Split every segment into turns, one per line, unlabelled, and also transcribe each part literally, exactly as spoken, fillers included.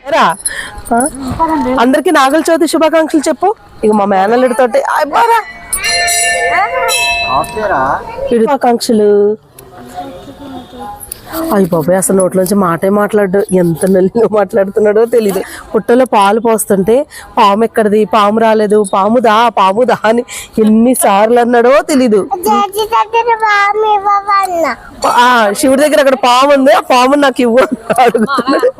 అందరికి నాగల చవితి శుభాకాంక్షలు చెప్పు. ఇక మా మేనల్లుడితో శుభాకాంక్షలు. అయ్యి బాబాయ్ అసలు నోట్లోంచి మాటే మాట్లాడు, ఎంత నల్లిగా మాట్లాడుతున్నాడో తెలీదు. పుట్టలో పాలు పోస్తుంటే పాము ఎక్కడిది, పాము రాలేదు, పాము దా పాము దా అని ఎన్నిసార్లు అన్నాడో తెలీదు. ఆ శివుడి దగ్గర అక్కడ పాము ఉంది, ఆ పాము నాకు ఇవ్వు అడుగుతున్నాడు.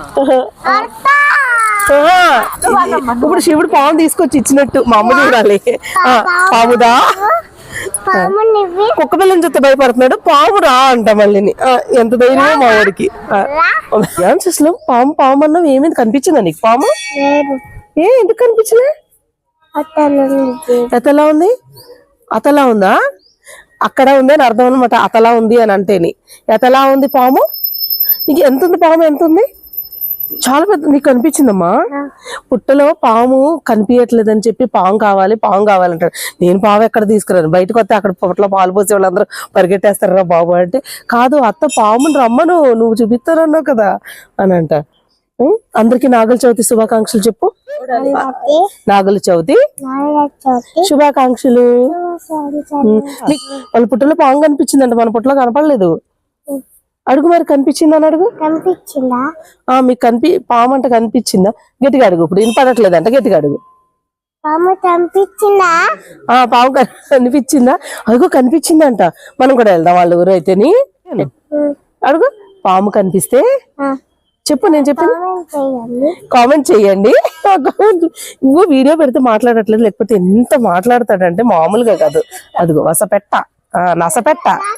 ఇప్పుడు శివుడు పాము తీసుకొచ్చి ఇచ్చినట్టు మా అమ్మ చూడాలి. పాముదా కుక్క పిల్లని చూస్తే భయపడుతున్నాడు, పాము రా అంట మళ్ళీ. ఎంత ధైర్యం మా వాడికి. అసలు పాము పాము అన్నావు, ఏమైంది కనిపించిందా నీకు పాము? ఏ ఎందుకు కనిపించలే? ఎతలా ఉంది? అతలా ఉందా? అక్కడ ఉంది అని అర్థం అనమాట. అతలా ఉంది అని అంటేని. ఎతలా ఉంది పాము? నీకు ఎంత ఉంది పాము? ఎంత ఉంది? చాలా పెద్ద. నీకు కనిపించిందమ్మా? పుట్టలో పాము కనిపించట్లేదని చెప్పి పాము కావాలి పాము కావాలంటాడు. నేను పాము ఎక్కడ తీసుకురాను, బయటకు వస్తే అక్కడ పుట్టలో పాలు పోసే వాళ్ళందరూ పరిగెట్టేస్తారా బాబు అంటే, కాదు అత్త పాముని రమ్మను, నువ్వు చూపిస్తానన్నావు కదా అని అంట. అందరికి నాగల చవితి శుభాకాంక్షలు చెప్పు. నాగల చవితి శుభాకాంక్షలు. వాళ్ళ పుట్టలో పాము కనిపించిందంట, మన పుట్టలో కనపడలేదు. అడుగు మరి, కనిపించిందా అని అడుగు.
కనిపించిందా?
మీకు కనిపి పాము అంట కనిపించిందా? గట్టిగా అడుగు. ఇప్పుడు వినపడట్లేదంట, గట్టిగా అడుగు.
పాము కనిపించిందా?
ఆ పాము కనిపించిందా? అడుగు కనిపించిందంట. మనం కూడా వెళ్దాం వాళ్ళ ఊరు అయితేని. అడుగు. పాము కనిపిస్తే చెప్పు, నేను చెప్పాను కామెంట్ చెయ్యండి. ఇంకో వీడియో పెడితే మాట్లాడట్లేదు, లేకపోతే ఎంత మాట్లాడతాడంటే మామూలుగా కాదు. అదిగో వసపెట్ట, నసపెట్ట.